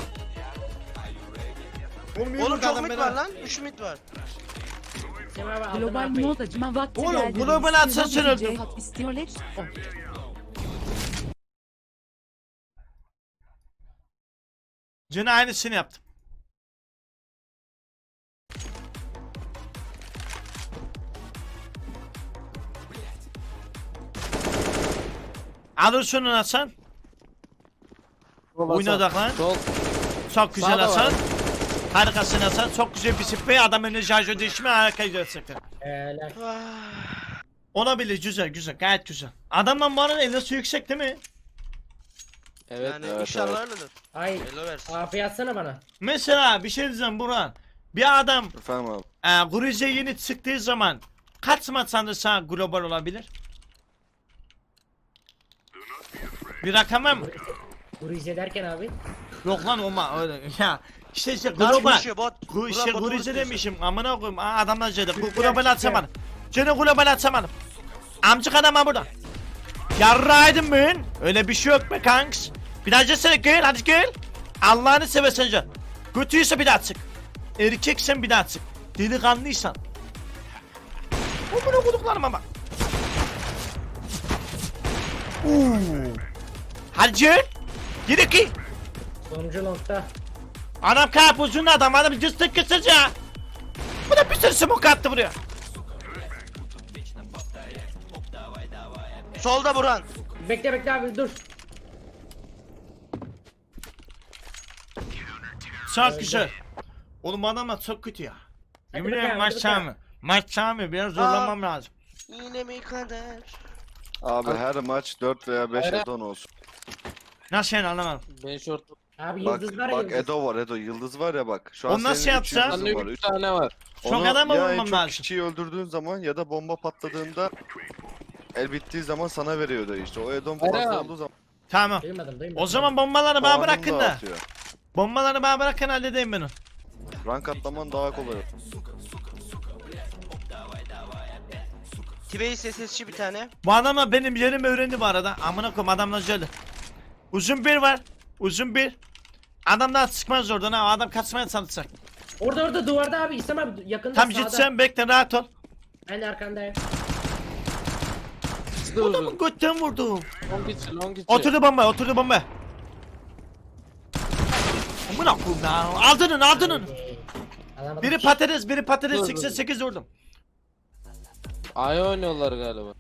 [SPEAKER 3] Oğlum, yürü
[SPEAKER 1] Oğlum
[SPEAKER 3] bakalım
[SPEAKER 1] çok mid
[SPEAKER 3] beni.
[SPEAKER 1] var lan. üç mid var.
[SPEAKER 2] Sen abi altına
[SPEAKER 5] Global
[SPEAKER 2] atmayın.
[SPEAKER 5] mod acıma vakti
[SPEAKER 3] Oğlum,
[SPEAKER 5] geldi.
[SPEAKER 3] global
[SPEAKER 5] Biz
[SPEAKER 3] atsa
[SPEAKER 5] size
[SPEAKER 3] sürüldüm.
[SPEAKER 5] bir cihat istiyorlar. Oh.
[SPEAKER 3] Cine aynısını yaptım. Alır şunu Hasan.
[SPEAKER 4] Sol
[SPEAKER 3] Oyuna
[SPEAKER 4] Hasan.
[SPEAKER 3] odaklan.
[SPEAKER 4] Sol.
[SPEAKER 3] Çok güzel
[SPEAKER 4] Sağda var.
[SPEAKER 3] Hasan. Harikasın Hasan. Çok güzel bir sprey. Adam önüne şarjör değişimi harika gerçekten.
[SPEAKER 2] Helal.
[SPEAKER 3] Olabilir, güzel güzel, gayet güzel. Adamın bu arada elası yüksek değil mi?
[SPEAKER 4] Evet.
[SPEAKER 1] Yani
[SPEAKER 6] evet,
[SPEAKER 1] inşallah
[SPEAKER 6] evet.
[SPEAKER 1] öyledir.
[SPEAKER 2] Ay.
[SPEAKER 1] Hello versin.
[SPEAKER 2] A P atsana bana.
[SPEAKER 3] Mesela bir şey diyeceğim Burhan. Bir adam
[SPEAKER 6] Efendim abi.
[SPEAKER 3] e, Gruze yeni çıktığı zaman kaç maç sanırsa global olabilir? Bir rakam var mı?
[SPEAKER 2] Gruze derken abi.
[SPEAKER 3] Yok lan olma öyle ya. İşte işte
[SPEAKER 1] Bot
[SPEAKER 3] global.
[SPEAKER 1] konuşuyor, bot.
[SPEAKER 3] Gu
[SPEAKER 1] Burak
[SPEAKER 3] işte
[SPEAKER 1] botu
[SPEAKER 3] Gruze
[SPEAKER 1] konuşuyor.
[SPEAKER 3] demişim amına koyayım. Aa, adamlar söyledi. Bu
[SPEAKER 2] Türkler,
[SPEAKER 3] global atsamadım.
[SPEAKER 2] Türkler.
[SPEAKER 3] Canı global atsamadım. Amcık adam ha burada. Yarraydın ben. Öyle bir şey yok be kanks. Bir daha cesene gel hadi gel. Allah'ını seversen can. Kötüyse bir daha çık. Erkeksen bir daha çık. Delikanlıysan. Amına koduklarıma bak. Uuu. Hadi gel. Gir iki.
[SPEAKER 2] Sonuncu longta.
[SPEAKER 3] Adam karpuzun adam adam cıstık kısaca. Bu da bir sürü smoke attı buraya.
[SPEAKER 1] Solda Burhan.
[SPEAKER 2] Bekle bekle abi dur.
[SPEAKER 3] Çok güzel. Oğlum adamlar çok kötü ya. Yemin
[SPEAKER 2] bakalım,
[SPEAKER 3] ederim maç
[SPEAKER 2] hadi bakalım.
[SPEAKER 3] çağımı. Maç çağımı biraz zorlamam lazım.
[SPEAKER 1] Yine mi kader?
[SPEAKER 6] Abi her maç dört veya beş
[SPEAKER 4] Hayır.
[SPEAKER 6] Edon olsun.
[SPEAKER 3] Nasıl yani anlamadım.
[SPEAKER 4] Ben short.
[SPEAKER 2] Abi
[SPEAKER 6] Bak
[SPEAKER 2] yıldız var ya
[SPEAKER 6] bak
[SPEAKER 2] yıldız.
[SPEAKER 6] Edo var Edo yıldız var ya bak. Şu an
[SPEAKER 3] O nasıl
[SPEAKER 6] senin üç
[SPEAKER 3] yapsa?
[SPEAKER 6] yıldızın
[SPEAKER 4] Bende
[SPEAKER 6] var,
[SPEAKER 4] üç
[SPEAKER 6] üç.
[SPEAKER 4] tane var.
[SPEAKER 3] Çok
[SPEAKER 6] Onu
[SPEAKER 3] adam mı
[SPEAKER 6] ya en
[SPEAKER 3] vurmam
[SPEAKER 6] çok
[SPEAKER 3] lazım?
[SPEAKER 6] kişiyi öldürdüğün zaman ya da bomba patladığında el bittiği zaman sana veriyordu işte. O Edon
[SPEAKER 4] Hayır
[SPEAKER 6] fazla
[SPEAKER 4] abi.
[SPEAKER 6] olduğu zaman
[SPEAKER 3] Tamam.
[SPEAKER 2] Duymadım duymadım.
[SPEAKER 3] O zaman bombaları bana
[SPEAKER 6] puanını
[SPEAKER 3] bırakın da.
[SPEAKER 6] dağıtıyor.
[SPEAKER 3] Bombaları bana bırakın halledeyim ben onu.
[SPEAKER 6] Rank atlaman daha kolay.
[SPEAKER 1] Tibey S S C'ci bir tane.
[SPEAKER 3] Bu adamlar benim yerimi öğrendi bu arada. Amına koyayım adamlar şöyle. Uzun bir var. Uzun bir. Adam daha çıkmaz oradan ha. O adam kaçmaya çalışacak.
[SPEAKER 2] Orada orada duvarda abi İslam abi yakında
[SPEAKER 3] Tam
[SPEAKER 2] sağda.
[SPEAKER 3] gitsen bekle rahat ol.
[SPEAKER 2] Ben de arkandayım.
[SPEAKER 4] İkisi de
[SPEAKER 3] Adamın
[SPEAKER 4] uzun.
[SPEAKER 3] götten vurdum.
[SPEAKER 4] Long içi long içi.
[SPEAKER 3] Oturdu bomba, oturdu bomba. Amına koyayım ya. Aldının, aldının.
[SPEAKER 2] Ee, alamadım.
[SPEAKER 3] Biri patates, biri patates.
[SPEAKER 4] Dur, dur.
[SPEAKER 3] seksen sekiz vurdum.
[SPEAKER 4] Ay oynuyorlar galiba.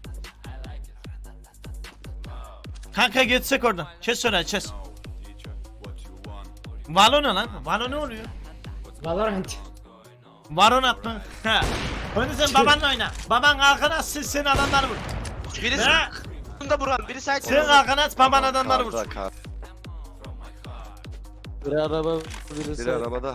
[SPEAKER 3] Kanka geçsek oradan. Kes sonra, kes. Valo ne lan? Valo ne oluyor?
[SPEAKER 2] Valorant.
[SPEAKER 3] Valorant mı? Ha. Oyunu sen babanla oyna. Baban arkana atsın, sen adamları vur.
[SPEAKER 1] Biri
[SPEAKER 3] Ha?
[SPEAKER 1] solda Burhan. Biri side
[SPEAKER 3] Sen arkana at, baban adamları
[SPEAKER 6] Karda,
[SPEAKER 3] vur.
[SPEAKER 6] kar.
[SPEAKER 4] Biri araba birisi.
[SPEAKER 6] Biri arabada.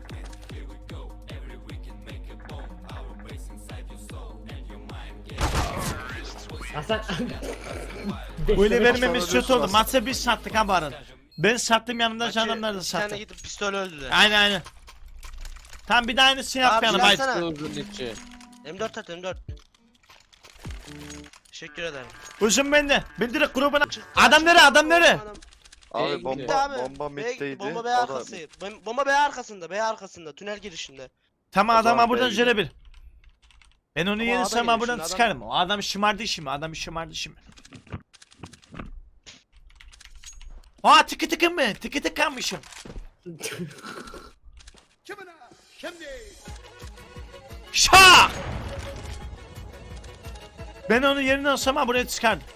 [SPEAKER 2] Hasan.
[SPEAKER 3] Böyle vermemiz
[SPEAKER 6] Sonra
[SPEAKER 3] kötü oldu.
[SPEAKER 6] diyorsun
[SPEAKER 3] Maçı biz sattık ha bu arada. Ben sattım yanımda canımlar da
[SPEAKER 1] Bir tane
[SPEAKER 3] sattı.
[SPEAKER 1] gidip pistol öldüler.
[SPEAKER 3] Aynen aynen. Tam bir de aynısını
[SPEAKER 1] Abi,
[SPEAKER 3] yapmayalım.
[SPEAKER 1] biraz
[SPEAKER 3] Haydi.
[SPEAKER 1] sana-
[SPEAKER 4] İkisi de uzun içi.
[SPEAKER 1] M dört at M dört. Teşekkür ederim.
[SPEAKER 3] Uzun bende. Ben direkt grubuna... Adam nere? Adam nere?
[SPEAKER 6] Abi
[SPEAKER 4] B'ye
[SPEAKER 6] bomba
[SPEAKER 4] gitti
[SPEAKER 1] abi.
[SPEAKER 6] bomba
[SPEAKER 1] B-
[SPEAKER 6] middeydi.
[SPEAKER 1] Bomba B
[SPEAKER 6] O da
[SPEAKER 1] arkası. Bom- Bomba B arkasında. B arkasında. Tünel girişinde.
[SPEAKER 3] Tamam
[SPEAKER 6] O
[SPEAKER 3] adama
[SPEAKER 6] zaman
[SPEAKER 3] buradan
[SPEAKER 6] belli.
[SPEAKER 3] şöyle bir. Ben onu
[SPEAKER 1] Ama
[SPEAKER 3] yenirsem
[SPEAKER 1] adam
[SPEAKER 3] ben buradan
[SPEAKER 1] yemiş,
[SPEAKER 3] çıkarım. O adam şımardı şimdi. Adam şımardı şimdi. Aa tıkı tıkı mı? Tıkı tıkanmışım. Şak! Ben onu yerine alsam ha buraya çıkardım.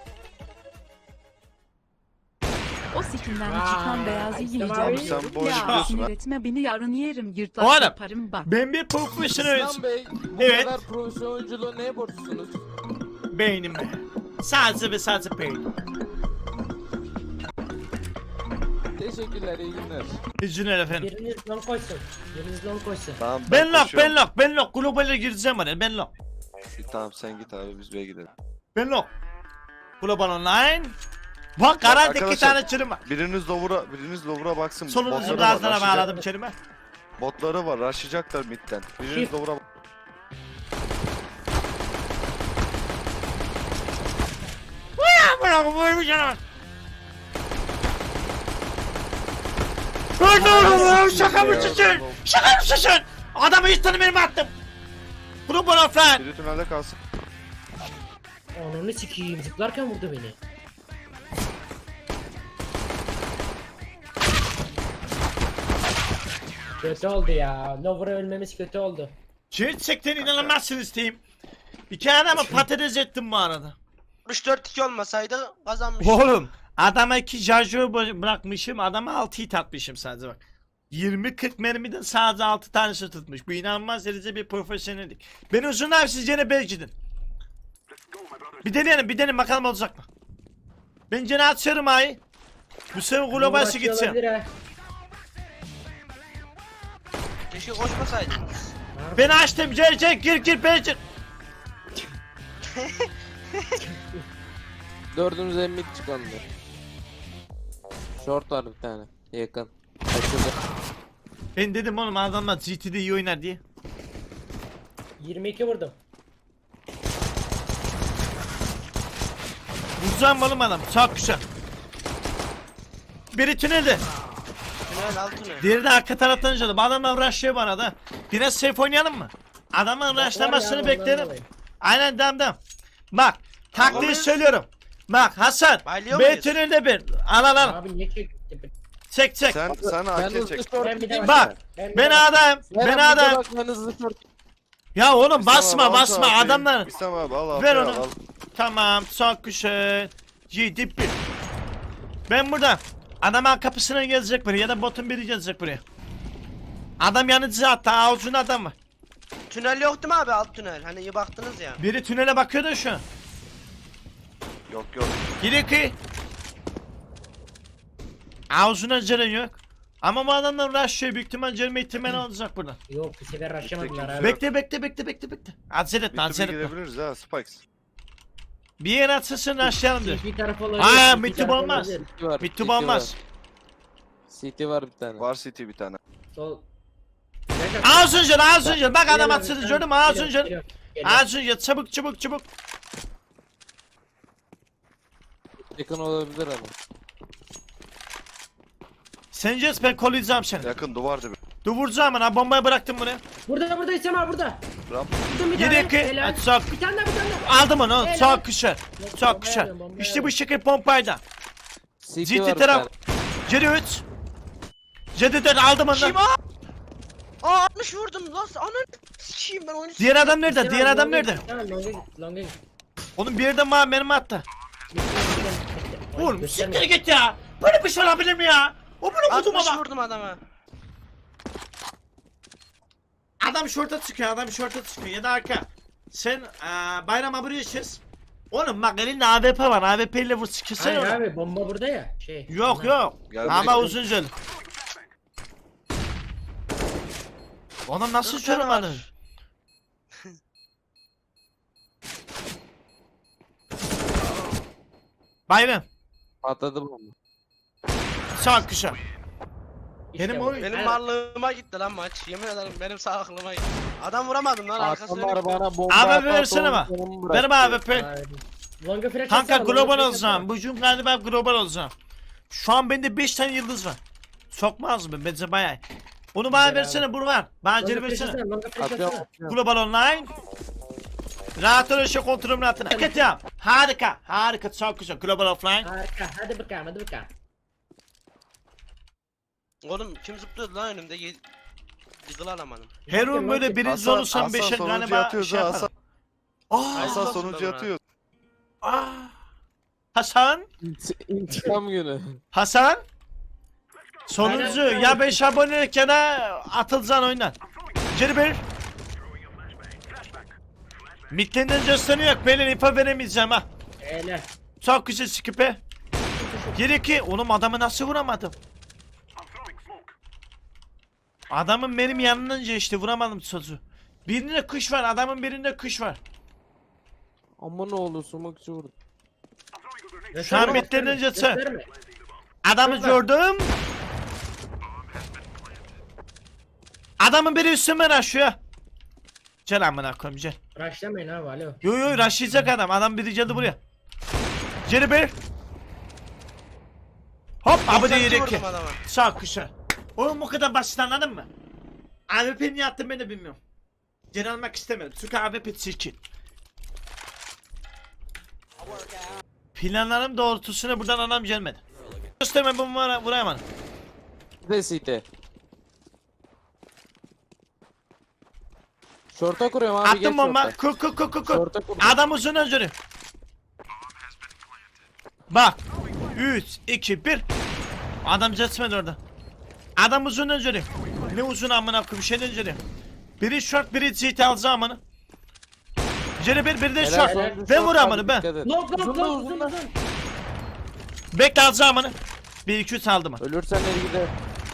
[SPEAKER 5] O sikinden
[SPEAKER 2] Vay,
[SPEAKER 5] çıkan beyazı
[SPEAKER 2] Ay,
[SPEAKER 5] yiyeceğim.
[SPEAKER 2] tamam.
[SPEAKER 6] Sen bu oyunu
[SPEAKER 5] Ya
[SPEAKER 6] biliyorsun
[SPEAKER 5] sinir
[SPEAKER 6] ha.
[SPEAKER 5] etme beni yarın yerim
[SPEAKER 3] O
[SPEAKER 5] yırtlak
[SPEAKER 3] adam.
[SPEAKER 5] yaparım bak.
[SPEAKER 3] Ben bir profesyonel
[SPEAKER 4] İslam Bey bu
[SPEAKER 3] Evet.
[SPEAKER 4] kadar profesyonel oyunculuğu neye borçlusunuz?
[SPEAKER 3] beynim be. Sadece ve sadece beynim.
[SPEAKER 4] Teşekkürler iyi günler.
[SPEAKER 3] İzninle efendim.
[SPEAKER 2] Biriniz long koysun. Biriniz long koysun.
[SPEAKER 6] Tamam
[SPEAKER 3] Ben lock,
[SPEAKER 6] koşuyorum.
[SPEAKER 3] ben lock, ben lock. Globale gireceğim oraya, ben lock.
[SPEAKER 6] Tamam sen git abi biz B'ye gidelim.
[SPEAKER 3] Ben lock. Global online. Bak kararda iki
[SPEAKER 6] arkadaşlar,
[SPEAKER 3] tane çürüm var.
[SPEAKER 6] Biriniz Lower'a biriniz Lower'a baksın.
[SPEAKER 3] Solunuzu
[SPEAKER 6] Botları
[SPEAKER 3] gazlara
[SPEAKER 6] var,
[SPEAKER 3] bağladım kelime.
[SPEAKER 6] rushlayacak- Botları var rushlayacaklar midden. Biriniz
[SPEAKER 2] Shift.
[SPEAKER 6] Lower'a
[SPEAKER 3] Bırak bu bir canavar. Öldürün şaka mısın sen? Şaka mısın sen? Adamı hiç tanımıyorum attım. Global offline.
[SPEAKER 6] biri tünelde kalsın.
[SPEAKER 2] Onu sikiyim zıplarken vurdu beni. Kötü oldu ya. Lover'a ölmemiz kötü oldu.
[SPEAKER 3] Gerçekten inanılmazsınız diyeyim. İki adamı patates ettim bu arada.
[SPEAKER 1] altmış dört iki olmasaydı kazanmış.
[SPEAKER 3] Oğlum adama iki şarjör bırakmışım, adama altı hit atmışım sadece bak. yirmi kırk mermiden sadece altı tanesi tutmuş. Bu inanılmaz derece bir profesyonellik. Ben uzun abi siz gene bel gidin. Bir deneyelim bir deneyelim bakalım olacak mı? Ben gene atıyorum ayı. Bu sefer globalsi
[SPEAKER 2] Açıyor
[SPEAKER 3] gitsin.
[SPEAKER 2] olabilir ha.
[SPEAKER 1] Keşke koşmasaydınız.
[SPEAKER 3] Ben açtım gel gel gir gir bel gir.
[SPEAKER 4] Dördümüz emmik çıkandı. Short var bir tane. Yakın. Açıldı.
[SPEAKER 3] Ben dedim oğlum adamlar G T'de iyi oynar diye.
[SPEAKER 2] yirmi iki vurdum.
[SPEAKER 3] Vuracağım oğlum adam çok güzel. Biri tünelde.
[SPEAKER 1] Tünel altını.
[SPEAKER 3] Diğeri de arka taraftan canım. Adamlar rushlıyor bana da. Biraz safe oynayalım mı? Adamın
[SPEAKER 2] Var
[SPEAKER 3] rushlamasını
[SPEAKER 2] ya,
[SPEAKER 3] beklerim.
[SPEAKER 2] ondan dolayı.
[SPEAKER 3] Aynen dam dam. Bak taktiği
[SPEAKER 1] Tamam.
[SPEAKER 3] söylüyorum. Bak Hasan.
[SPEAKER 1] Baylıyor
[SPEAKER 3] B
[SPEAKER 1] muyuz?
[SPEAKER 3] tünelde bir. Al al al.
[SPEAKER 2] Abi niye çekti?
[SPEAKER 3] Çek çek.
[SPEAKER 6] Sen sen
[SPEAKER 4] Ben
[SPEAKER 6] A K
[SPEAKER 4] hızlı
[SPEAKER 6] çek.
[SPEAKER 4] short.
[SPEAKER 2] Ben bir de
[SPEAKER 3] Bak.
[SPEAKER 2] bir
[SPEAKER 3] Ben
[SPEAKER 2] de-
[SPEAKER 3] adayım. Ben
[SPEAKER 4] Eren, bir de
[SPEAKER 3] adayım.
[SPEAKER 4] bak, ben hızlı short.
[SPEAKER 3] Ya oğlum
[SPEAKER 6] İslam
[SPEAKER 3] basma
[SPEAKER 6] abi, al
[SPEAKER 3] basma
[SPEAKER 6] şu A K'yi.
[SPEAKER 3] adamlar.
[SPEAKER 6] İslam abi al
[SPEAKER 3] Ver
[SPEAKER 6] Ver
[SPEAKER 3] onu.
[SPEAKER 6] Al.
[SPEAKER 3] Tamam çok güzel. Yedi bir. Ben burada. Adamın kapısına gelecek buraya ya da botun biri gelecek buraya. Adam yanıcı hatta avucunda adam var.
[SPEAKER 1] Tünel yok değil mi abi alt tünel? Hani iyi baktınız ya.
[SPEAKER 3] Biri tünele bakıyor da şu an.
[SPEAKER 6] Yok yok.
[SPEAKER 3] Geri ki. Ağzına ceren yok. Ama bu adamlar rushlıyor büyük ihtimal gelme ihtimali olacak burada.
[SPEAKER 2] Yok bu sefer rushlamadılar
[SPEAKER 6] Yok.
[SPEAKER 2] abi.
[SPEAKER 3] Bekle bekle bekle bekle bekle. Acele etme
[SPEAKER 6] Bir
[SPEAKER 3] acele
[SPEAKER 6] türlü
[SPEAKER 3] etme.
[SPEAKER 6] gidebiliriz ha Spikes.
[SPEAKER 3] Bir yere atsın rushlayalım diyor.
[SPEAKER 2] Bir taraf olabilir.
[SPEAKER 3] Aa,
[SPEAKER 2] bir
[SPEAKER 3] mitip
[SPEAKER 2] taraf
[SPEAKER 3] olmaz.
[SPEAKER 2] olabilir.
[SPEAKER 4] City var.
[SPEAKER 3] Bitti
[SPEAKER 4] City
[SPEAKER 3] olmaz.
[SPEAKER 4] var. City var bir tane.
[SPEAKER 6] Var City bir tane.
[SPEAKER 2] Sol.
[SPEAKER 3] Ağzın cel ağzın cel. Bak adam
[SPEAKER 2] Geliyor,
[SPEAKER 3] atsın
[SPEAKER 2] geliyor,
[SPEAKER 3] gördün mü ağzın
[SPEAKER 2] geliyor,
[SPEAKER 3] cel.
[SPEAKER 2] geliyor, geliyor.
[SPEAKER 3] Ağzın cel çabuk çabuk çabuk.
[SPEAKER 4] Yakın olabilir ama.
[SPEAKER 3] Sen Jess ben kollayacağım seni.
[SPEAKER 6] Yakın duvar dibi.
[SPEAKER 3] Dur vuracağım ben ha bombayı bıraktım buraya.
[SPEAKER 2] Burada burada İslam abi burada.
[SPEAKER 6] Ramp.
[SPEAKER 2] Vurdum bir
[SPEAKER 3] Yedi
[SPEAKER 2] tane.
[SPEAKER 3] iki.
[SPEAKER 2] Helal.
[SPEAKER 3] Hadi sok.
[SPEAKER 2] Bir tane daha bir tane daha.
[SPEAKER 3] Aldım onu
[SPEAKER 2] Helal.
[SPEAKER 3] çok güzel.
[SPEAKER 2] Yok,
[SPEAKER 3] Çok
[SPEAKER 2] bombaya
[SPEAKER 3] güzel.
[SPEAKER 2] alıyorum, bombaya
[SPEAKER 3] İşte bu
[SPEAKER 2] alıyorum.
[SPEAKER 3] şekil pompayla.
[SPEAKER 4] City
[SPEAKER 3] Ciddi
[SPEAKER 4] var bir
[SPEAKER 3] taraf.
[SPEAKER 4] tane.
[SPEAKER 3] Geri üç. Geri dört aldım onu.
[SPEAKER 1] Kim o? Aa altmış vurdum lan. Ananı sikeyim ben oyunu.
[SPEAKER 3] Diğer adam nerede?
[SPEAKER 2] İslam
[SPEAKER 3] Diğer
[SPEAKER 2] abi,
[SPEAKER 3] adam
[SPEAKER 2] longa
[SPEAKER 3] nerede?
[SPEAKER 2] git, Tamam longa git. Longa git.
[SPEAKER 3] Onun bir yerden bana mermi attı. Oğlum siktir git ya. Böyle bir şey olabilir mi ya? O bunu vurdum
[SPEAKER 1] altmış
[SPEAKER 3] ama.
[SPEAKER 1] vurdum adama.
[SPEAKER 3] Adam şorta çıkıyor, adam şorta çıkıyor ya da arka. Sen eee bayrama buraya çiz. Oğlum bak elinde A W P var, A W P ile vur sikirsen
[SPEAKER 2] Hayır
[SPEAKER 3] onu.
[SPEAKER 2] abi bomba burada ya. Şey.
[SPEAKER 3] Yok
[SPEAKER 2] Bunlar.
[SPEAKER 3] yok.
[SPEAKER 6] Geldi.
[SPEAKER 3] Ama uzun cel. Oğlum nasıl
[SPEAKER 1] Dört tane
[SPEAKER 3] çoramadı?
[SPEAKER 1] var.
[SPEAKER 3] Bayram.
[SPEAKER 4] Patladı bomba.
[SPEAKER 3] Çok güzel.
[SPEAKER 2] İşte
[SPEAKER 3] Benim
[SPEAKER 2] bu.
[SPEAKER 3] oyun-
[SPEAKER 1] Benim
[SPEAKER 2] Aynen.
[SPEAKER 1] varlığıma gitti lan maç. Yemin ederim benim sağ aklıma gitti. Adam vuramadım lan arkasına.
[SPEAKER 4] Adamlar bana bomba
[SPEAKER 3] Abi
[SPEAKER 4] atar,
[SPEAKER 3] versene bak.
[SPEAKER 4] sonunu
[SPEAKER 3] Benim
[SPEAKER 4] bıraktı.
[SPEAKER 3] A W P.
[SPEAKER 2] Abi. Longa flash
[SPEAKER 3] Kanka
[SPEAKER 2] atsana, longa
[SPEAKER 3] global
[SPEAKER 2] flash
[SPEAKER 3] olacağım.
[SPEAKER 2] atsana.
[SPEAKER 3] Bu cüm galiba global olacağım. Şu an bende beş tane yıldız var. Sokmaz mı? Bence bayağı. Onu bana
[SPEAKER 2] Güzel
[SPEAKER 3] versene Burhan. Bana
[SPEAKER 2] Longa
[SPEAKER 3] geri
[SPEAKER 2] flash
[SPEAKER 3] versene.
[SPEAKER 2] atsana, longa flash
[SPEAKER 4] Atıyorum,
[SPEAKER 2] atsana.
[SPEAKER 4] atıyorum.
[SPEAKER 3] Global online. Rahat ol şey kontrolümün altına. Git ya. Harika. Harika. Çok güzel. Global offline.
[SPEAKER 2] Harika. Hadi bakalım hadi bakalım.
[SPEAKER 1] Oğlum kim zıplıyordu lan önümde? Ye- Yıkıl alamadım.
[SPEAKER 3] Her oyun böyle birinci
[SPEAKER 6] Hasan,
[SPEAKER 3] olursam
[SPEAKER 6] Hasan
[SPEAKER 3] beşe
[SPEAKER 6] sonuncu
[SPEAKER 3] galiba
[SPEAKER 6] atıyoruz
[SPEAKER 3] şey
[SPEAKER 6] ha
[SPEAKER 3] yaparım.
[SPEAKER 6] Hasan.
[SPEAKER 3] Aa,
[SPEAKER 6] Hasan
[SPEAKER 1] Hasan
[SPEAKER 6] sonuncu
[SPEAKER 1] bana.
[SPEAKER 6] atıyor.
[SPEAKER 3] aa. Hasan.
[SPEAKER 4] İnt- İntikam günü.
[SPEAKER 3] Hasan. Sonuncu
[SPEAKER 2] Aynen.
[SPEAKER 3] ya beş abonelik ya da atılacaksın oyundan. Geri bir. Midlerinden gösteriyor yok. Belin ipa veremeyeceğim ha.
[SPEAKER 2] Helal.
[SPEAKER 3] Çok güzel skipe. Geri ki oğlum adamı nasıl vuramadım? Adamın benim yanından geçti vuramadım sözü. Birinde kış var adamın birinde kış var.
[SPEAKER 4] Ama ne oldu sumakçı vurdu.
[SPEAKER 3] Şu an
[SPEAKER 2] Gösterme,
[SPEAKER 3] bitlerden
[SPEAKER 2] gösterme,
[SPEAKER 3] geçse.
[SPEAKER 2] gösterme.
[SPEAKER 3] Adamı
[SPEAKER 2] Kız var.
[SPEAKER 3] gördüm. Adamın biri üstüme raşıyor. Gel amına koyayım gel.
[SPEAKER 2] Rushlamayın abi alo.
[SPEAKER 3] Yo yo raşlayacak adam. Adam biri geldi buraya. Geri bir. Hop abi de
[SPEAKER 1] doksan iki
[SPEAKER 3] yeri ki.
[SPEAKER 1] vurdum adama.
[SPEAKER 3] Sağ kuşa. Oğlum bu kadar basit anladın mı? A W P niye attım ben de bilmiyorum. Geri almak istemedim. Çünkü A W P çirkin. Planlarım doğrultusuna buradan adam gelmedi. Gösterme bu vura vurayamadım.
[SPEAKER 4] Bir de City. Short'a kuruyorum abi geç
[SPEAKER 3] Attım bomba.
[SPEAKER 4] short'a.
[SPEAKER 3] Kur kur kur kur kur.
[SPEAKER 4] Short'a kurdum.
[SPEAKER 3] Adam uzun özürü. Bak. üç, iki, bir. Adam geçmedi orada. Adam uzun önceli. Ne uzun amına koyayım şey önceli. Biri short biri C T alacağım amına. Cere bir biri de
[SPEAKER 4] Helal,
[SPEAKER 3] short.
[SPEAKER 4] helal.
[SPEAKER 3] Ben vur
[SPEAKER 4] Short
[SPEAKER 3] amına
[SPEAKER 4] abi,
[SPEAKER 3] ben.
[SPEAKER 4] dikkat et.
[SPEAKER 7] Long long
[SPEAKER 4] Uzun da
[SPEAKER 7] long
[SPEAKER 4] uzun
[SPEAKER 7] uzun
[SPEAKER 4] da.
[SPEAKER 7] uzun.
[SPEAKER 3] Bekle alacağım amına. Bir iki üç aldım.
[SPEAKER 4] Ölürsen el gider.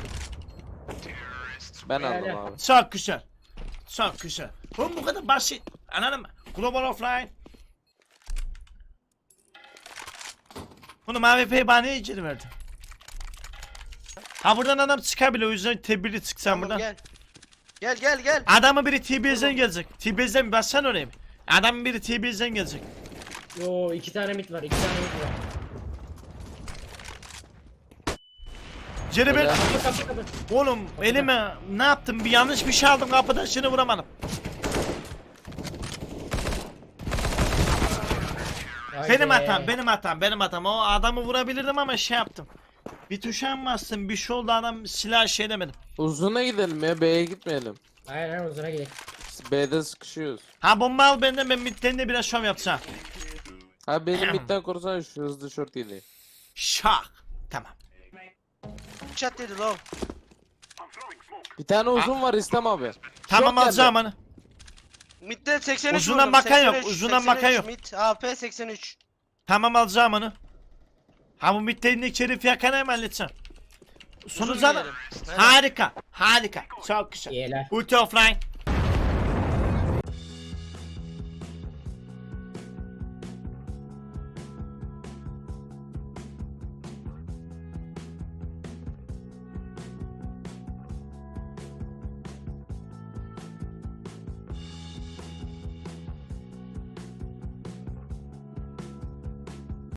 [SPEAKER 4] Ben
[SPEAKER 2] Helal.
[SPEAKER 4] aldım abi.
[SPEAKER 3] Çok güzel. Çok güzel. Oğlum bu kadar basit. Anladın mı? Global offline. Bunu mavi F'yi bana niye içeri verdin? Ha buradan adam çıkabilir o yüzden tebirli çıksan
[SPEAKER 1] Tamam,
[SPEAKER 3] buradan.
[SPEAKER 1] gel. Gel gel gel.
[SPEAKER 3] Adamın biri T B'den gelecek. T B'den bir bassan oraya bir. Adamın biri T B'den gelecek.
[SPEAKER 2] Yo iki tane mit var iki tane mit var.
[SPEAKER 3] Cere bir.
[SPEAKER 4] Helal.
[SPEAKER 2] Kapı kapı kapı.
[SPEAKER 3] Oğlum elime ne yaptım? Bir yanlış bir şey aldım kapıdan şunu vuramadım.
[SPEAKER 2] Haydi.
[SPEAKER 3] Benim hatam, benim hatam, benim hatam. O adamı vurabilirdim ama şey yaptım. Bir tuşa mı bastım? Bir şey oldu adam silah şey demedim.
[SPEAKER 4] Uzuna gidelim ya, B'ye gitmeyelim.
[SPEAKER 2] Aynen aynen uzuna gidelim.
[SPEAKER 4] B'de sıkışıyoruz.
[SPEAKER 3] Ha bomba al benden ben midden de biraz şov yapacağım.
[SPEAKER 4] Ha benim midden korusana şu hızlı short iyiliği.
[SPEAKER 3] Şak. Tamam.
[SPEAKER 1] Chat dedi long.
[SPEAKER 4] Bir tane uzun var İslam abi.
[SPEAKER 3] Tamam
[SPEAKER 4] geldi.
[SPEAKER 3] alacağım onu.
[SPEAKER 1] Mid'de seksen üç
[SPEAKER 3] Uzundan
[SPEAKER 1] vurdum,
[SPEAKER 3] bakan yok,
[SPEAKER 1] seksen üç,
[SPEAKER 3] uzundan
[SPEAKER 1] seksen üç,
[SPEAKER 3] bakan yok.
[SPEAKER 1] Mid A P seksen üç.
[SPEAKER 3] Tamam alacağım onu. Ha bu middenindeki herifi yakan hemen halledeceğim. Sonu
[SPEAKER 1] Uzun
[SPEAKER 3] zaten
[SPEAKER 1] diyelim. Evet.
[SPEAKER 3] harika, harika. Çok güzel.
[SPEAKER 2] İyiler.
[SPEAKER 3] Ulti offline.